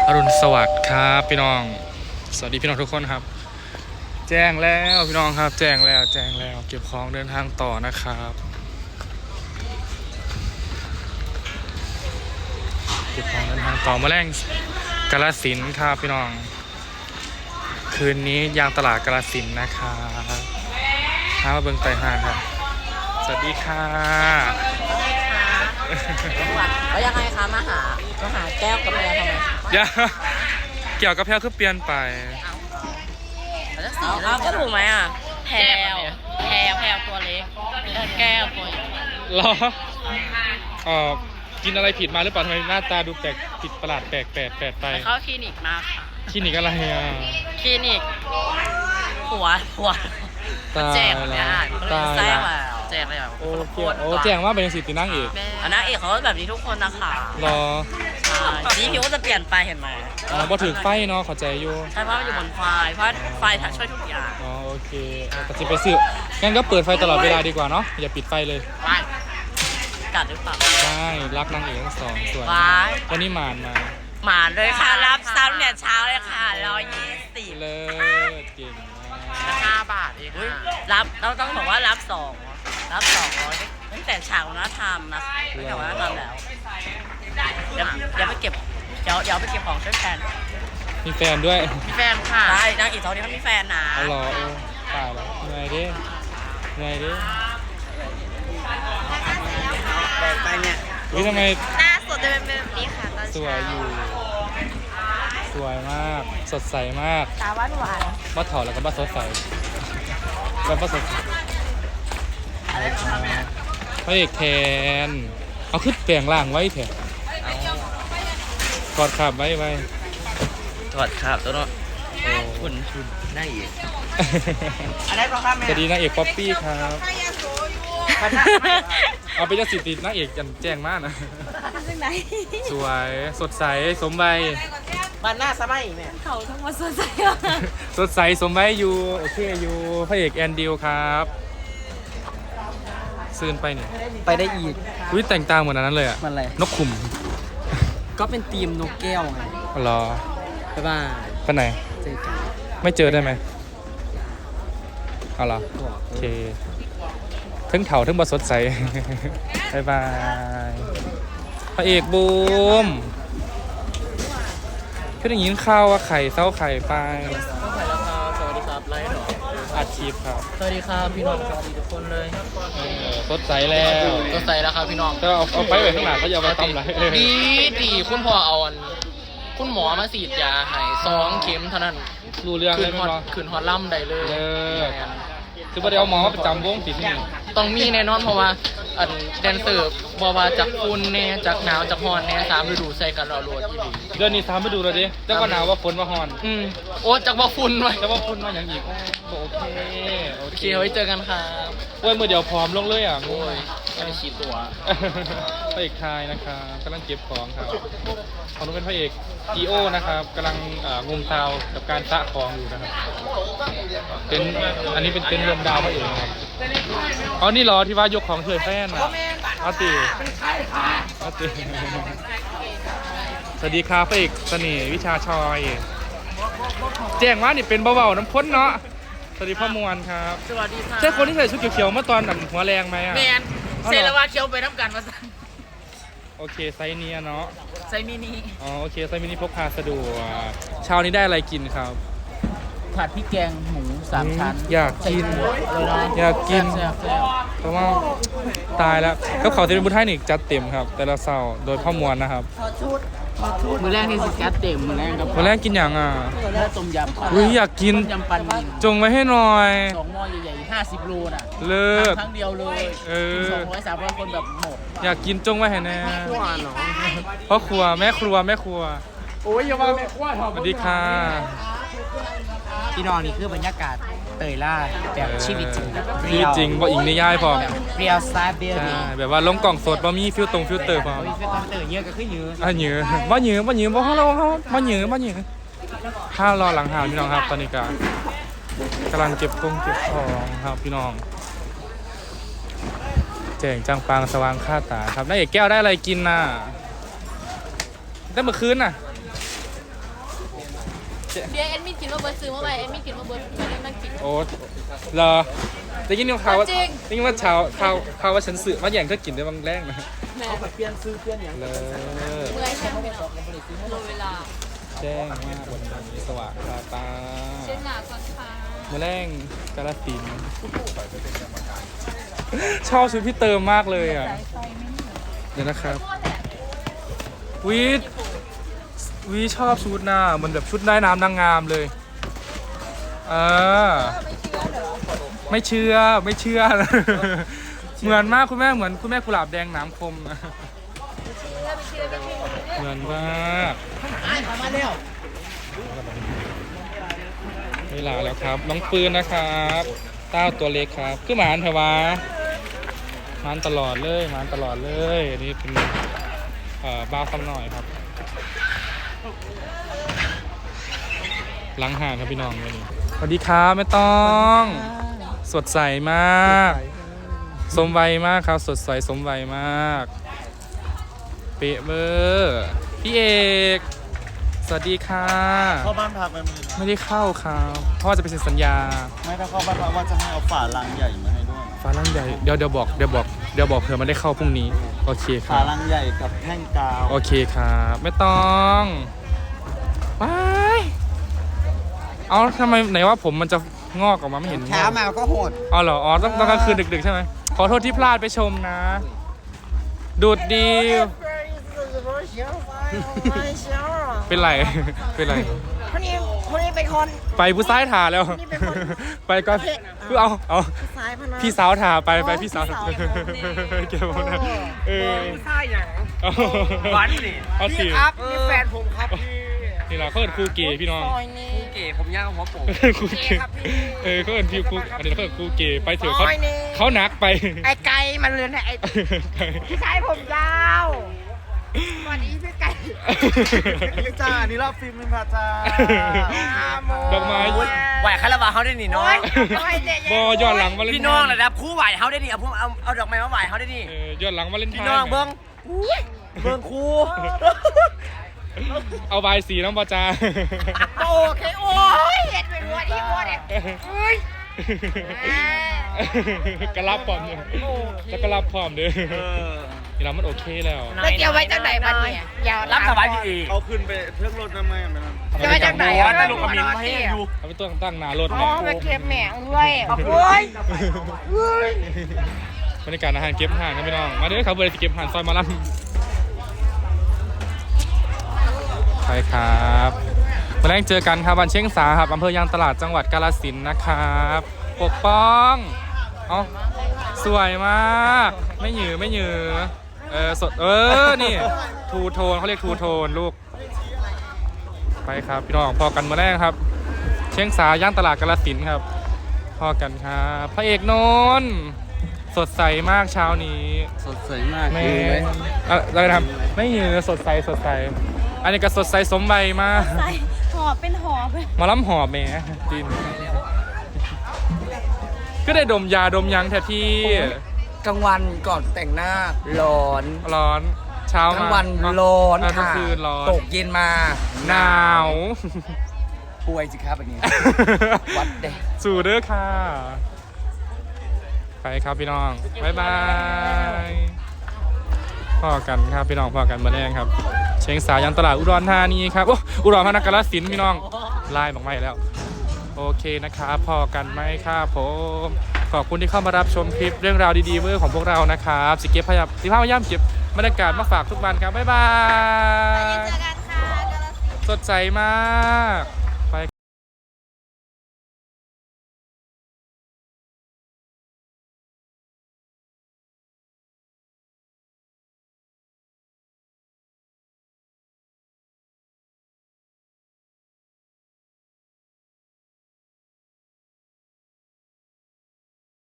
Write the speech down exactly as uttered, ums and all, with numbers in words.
อรุณสวัสดิ์ครับพี่น้องสวัสดีพี่น้องทุกคนครับแจ้งแล้วพี่น้องครับแจ้งแล้วแจ้งแล้วเก็บของเดินทางต่อนะครับเก็บของเดินทางต่อมาแรงกาฬสินธุ์ครับพี่น้องคืนนี้ยางตลาดกาฬสินธุ์นะครับท้ามาเบิ่งไต่ห้างครับสวัสดีค่ะแล้วยังไงคะมาหามาหาแก้วกับแพรทำไมอย่าเกี่ยวกับแพลวคือเปลี่ยนไปเอาเอาก็ถูกไหมอ่ะแพรวแพรวแพรวตัวเล็กแก้วตัวใหญ่เหรอเออกินอะไรผิดมาหรือเปล่าทำไมหน้าตาดูแปลกผิดประหลาดแปลกแปลกแปลกไปไปเข้าคลินิกมาค่ะคลินิกอะไรอ่ะคลินิกหัวหัวตายแจกแบบนี้แล้วอ่ะตายแจ้งแล้วแล้วแจกเลยแบบโอ้เกี่ยวโอ้แจ้งว่าเป็นสิทธินั่งเอกอันนั้นเอกเขาแบบนี้ทุกคนนะคะรอใช่สีผิวก็จะเปลี่ยนไปเห็นไหมอ๋อพอถือไฟเนาะเข้าใจอยู่ใช่เพราะมันอยู่บนไฟเพราะไฟช่วยทุกอย่างอ๋อโอเคแต่จะไปซื้องั้นก็เปิดไฟตลอดเวลาดีกว่าเนาะอย่าปิดไฟเลยไปกัดหรือเปล่าใช่รักนางเอกทั้งสองสวยว้ายวันนี้หมานมาหมาเลยค่ะรับซ้ำเนี่ยเช้าเลยค่ะร้อยยี่สิบเลิศเก่งมากห้าบาทเองอุ๊ยรับเราต้องบอกว่ารับสองรับสองร้อยตั้งแต่ฉากวัฒนธรรมนะตั้งแต่วัฒนธรรมแล้วเดี๋ยวเดี๋ยวไปเก็บเดี๋ยวเดี๋ยวไปเก็บของช่วยแฟนมีแฟนด้วยมีแฟนค่ะใช่นางเอกเขาเนี่ยเขามีแฟนนะเอาเหรอโอ้ตายแล้วเหนื่อยดิเหนื่อยดิไปเนี่ยวิทำไมหน้าสดจะเป็นแบบนี้ค่ะตอนสวยอยู่ สวยมาก สดใสมากตาหวานหวานบ้าถอดแล้วก็บ้าสดใสแล้วบ้าสดใสพระเอกแทน เอาขึ้นแปลงล่างไว้เถอะกอดขับไว้ไว้ถอดครับตัวเนาะโอ้คุณคุณนั่งอีกอะไรก็ข้ามแม่สวัสดีนางเอกป๊อปปี้ครับ เอาไปเจ้าสิทธิ์นางเอกจันแจ้งมากนะสวยสดใสสมใบบ้านหน้าสมัยแม่เขาทั้งหมดสดใสสดใสสมใบอยู่โอเคอยู่พระเอกแอนดิวครับซื่นไปเนี่ยไปได้อีกวิแต่งตามเหมือนอันนั้นเลยอะมันอะไรนกขุมก็เป็นทีมนกแก้วไงรอบ๊ายบายไปไหนเจอกันไม่เจอได้ไหมเอาเหรอบอกโอเคทึ่งเถาทึ่งบสดใส บายบายพระเอกบูมเพื่อนอย่างนี้ข้าวว่าไข่เส้าไข่ไปต้องไปแล้วครับสวัสดีครับไลฟ์หรออัดคลิปครับสวัสดีครับพี่น้องสวัสดีทุกคนเลยเออสดใสแล้วก็ใส่แล้วครับพี่น้องก็เอาเอาไปไว้ข้างหลังเขาจะเอาไปตำไรดีดีคุณพ่อเอาอันคุณหมอมาฉีดยาให้สองเข็มเท่านั้นรู้เรื่องคืเลยนไหมฮอดเนาะคืนฮอดล่ำได้เลยเลิศ คือประเดี๋ยวหมอประจำวงติดนี่ต้องมีแน่นอนเพราะว่าอันแดนเซอร์บอกว่าจากฝุ่นแน่จากหนาวจากฮอนแน่สามฤดูใส่กันเราโหลดอีหลีเดือนนี้สามไปดูเลยดิเจ้าก็หนาวว่าฝนว่าฮอนอืมโอ้จากว่าฝุ่นไว้แต่ว่าฝนมาอย่างอีกโอเคโอโอเคเคไว้เจอกันครับเว้ยมือเดียวพร้อมลงเลยอ่ะโอ้ยไม่ได้ฉีดตัวพระเอกชายนะครับกำลังเก็บของครับของนู้นเป็นพระเอกจีโอนะครับกำลังเอ่องมเตากับการสะของอยู่นะครับเป็นอันนี้เป็นเต็นท์รวมดาวพระเอกนะครับอ๋อนี่เหรอที่ว่ายกของเฉยแฟนอ่ะอาติอาติสวัสดีครับพระเอกเสน่ห์วิชาชอยแจ้งว่านี่เป็นเบาๆน้ำพ้นเนาะสวัสดีพ่อมวลครับสวัสดีค่ะใช่คนที่ใส่ชุดเขียวๆเมื่อตอนหนังหัวแรงไหมอ่ะแมนเซลวาเคียวไปน้ำกันมาสั่งโอเคไซส์เนี้ยเนาะไซมินิอ๋อโอเคไซส์มินิพกพาสะดวกเช้านี้ได้อะไรกินครับผัดพริกแกงหมูสามชั้นอยากกินเลยนะอยากกินแซ่บแซ่บเพราะว่าตายแล้วกับเขาวเทนบุญไทยนี่จัดเต็มครับ แต่ละเสาร์โดยพ่อมวลนะครับมือแรกที่สิกัดเต็มมือแรกกับวันแรกกินอย่างอ่ะแล้วต้มยำอุ้ยอยากกินต้มยำปันนินจงไว้ให้หน่อยสองหม้อใหญ่ๆห้าสิบโลน่ะเลิศครั้งเดียวเลยเออสองร้อยสามร้อยคนแบบหมดอยากกินจงไว้ให้แน่ขั้วเนาะพ่อครัวแม่ครัวแม่ครัวโอ้ยอย่ามาแม่ขั้วถอดสวัสดีค่ะพี่น้องนี่คือบรรยากาศเตยล่าแบบชีวิตจริงแบบชีวิตจริงบ่อิงนิยายพร้อมเปรียวซาเบียใช่ดีแบบว่าลงกล่องสดบ่มีฟิลตรงฟิลเตอร์พร้อมโอ้ยเป็นเตยเยอะก็คือเยอะอ่ะเหนือบ่เหนือบ่เหนือบ่เฮาเราเฮาบ่เหนือบ่เหนือถ้ารอหลังหาวพี่น้องครับตอนนี้ก็กำลังเก็บกงเก็บของครับพี่น้องแจ้งจังปางสว่างค่าตาครับนายเอกแก้วได้อะไรกินน่ะได้เมื่อคืนน่ะเดี๋ยวแอดมินกินมาเบิร์ดซื้อมาไว้แอดมินกินมาเบิร์ดไม่ได้มากินโอ้เหรอได้ยินข่าวว่าจริงได้ยินว่าข่าวข่าวข่าวว่าฉันสื่อมาอย่างเธอกินได้บางแรกนะแม่เปลี่ยนซื้อเปลี่ยนอย่างเลยเมื่อยแค่ไม่ออกโลเวลาแจ้งมากวันนี้สว่างตาตาเช่นหนาก่อนค่ะมาแรงกาลสินธุ์ชอบชุดพี่เติมมากเลยอ่ะเดี๋ยวนะครับวิวิชอบชุดหน้ามันแบบชุดได้น้ำนางงามเลยเออไม่เชื่อไม่เชื่อ เหมือนมากคุณแม่เหมือนคุณแม่กุหลาบแดงหน้ำคมนะเหมือนมากเวลาแล้วครับน้องปืนนะครับเต้าตัวเล็กครับคือหมานเถอะวะหมานตลอดเลยหมานตลอดเลยอันนี้เป็นเอ่อบ้าซ้ำหน่อยครับล้างห่างครับพี่น้องวันนี้สวัสดีครับแม่ต้องสดใสมากสมวัยมากครับสดใสสมวัยมากเป๊ะเบอร์พี่เอกสวัสดีค่ะเข้าบ้านพักมันมีไม่ได้เข้าครับเพราะว่าจะไปเซ็นสัญญาไม่ถ้าเข้าบ้านพักว่าจะให้เอาฝาลังใหญ่มาให้ด้วยฟ้าร่างใหญ่เดี๋ยวเดี๋ยวบอกเดี๋ยวบอกเดี๋ยวบอกเผื่อมันได้เข้าพรุ่งนี้โอเคคฝารับลังใหญ่กับแท่งกาวโอเคครับไม่ต้องว้ายเอาทำไมไหนว่าผมมันจะงอกออกมาไม่เห็นเช้ามาก็โหดอ๋อเหรออ๋อต้องต้องกลางคืนดึกๆใช่ไหมขอโทษที่พลาดไปชมนะ ดูดดีเป็นไร เป็นไรคนนี้คนนี้เป็นคนไปผู้ซ้ายถาแล้ว ไปก็คือเอาเอาสายพนันพี่สาวถาไปไปพี่สาวพี่สาวเก็บหมดนะเออใช่อย่างหวานดิเอาสิครับนี่แฟนผมครับพี่นี่แหละเขาเอินครูเก๋พี่น้องซอยนี้เก๋ผมย่างหัวโป่งครูเก๋เออเขาเอินพี่ครูอันนี้เขาเอินครูเก๋ไปเถอะเขาซอยนี้เขาหนักไปไอ้ไก่มันเลือนไอ้พี่ชายผมยาวสวัสดีพี่ไก่นี่จ้านี่รอบฟิล์มมินพาจ้าดอกไม้ไหวคาราบาวเขาได้นี่น้องบอย้อนหลังวาเลนไทน์พี่น้องระดับคู่ไหวเขาได้นี่เอาพวกเอาเอาดอกไม้มาไหวเขาได้นี่เออย้อนหลังวาเลนไทน์พี่น้องเบิ้งเบิ้งคู่เอาใบายสีน้องปอจาโอเคโอ้ยเห็นเป็นวัวที่วัวเนี่ยเฮ้ยกระลับพร้อมเนี่ยแล้วกระลับพร้อมเด้อนี่เรามันโอเคแล้วแล้วเกี่ยวไว้จากไหนมันเนี่ยยาวรับสบายพี่เอกเอาขึ้นไปเครื่องรถทำไมอ่ะแม่นั่นจะไว้จากไหนวัอ่ะดตลกกับมินมาให้ดูเอาไปตัวตั้งหนารถอ๋อแม่ไปเก็บแหม่งด้วยโอ้ยเฮ้ยบรรยากาศอาหารเก็บห่านนะพี่น้อง มาเด้อครับเบอร์ที่เก็บห่านซอยมาลัมใช่ครับมาแรกเจอกันครับวันเชียงสาครับอำเภอยางตลาดจังหวัดกาฬสินธุ์นะครับปกป้องเอ้าสวยมากไม่หยือไม่หยือเออสดเออนี่ทูโทนเขาเรียกทูโทนลูกไปครับพี่น้องพอกันมาแรกครับ เชียงสาย่านตลาดกาฬสินธุ์ครับพอกันครับพระเอกนนท์สดใสมากเช้านี้สดใสมากไม่อะไรทำไม่ยือสดใสสดใสอันนี้ก็สดใสสมใบมากใส่หอบเป็นหอบเลยมาล้ำหอบแหม่ดินก็ได้ดมยาดมยังแทนที่กลางวันก่อนแต่งหน้าร้อนร้อนเช้ากลางมาวันร้อนกลางค่ะคืนร้อนตกเย็นมาหนาวป่วยสิครับอันนี้ วัดเด้สู่เด้อค่ะ ไปครับพี่น้อง บ๊ายบายพอกันครับพี่น้องพอกันมาแรงครับ เชียงสายันตลาดอุดรธานีครับโอ้อุดรธานีกาฬสินธุ์พี่น้องไล่บอกไม่แล้ว โอเคนะครับพอกันไหมครับผมขอบคุณที่เข้ามารับชมคลิปเรื่องราวดีๆเวอร์ของพวกเรานะครับสิเก็บพยายามสิพยายามเก็บบรรยากาศมาฝากทุกวันครับบ๊ายบายเจอกันค่ะสดใสมาก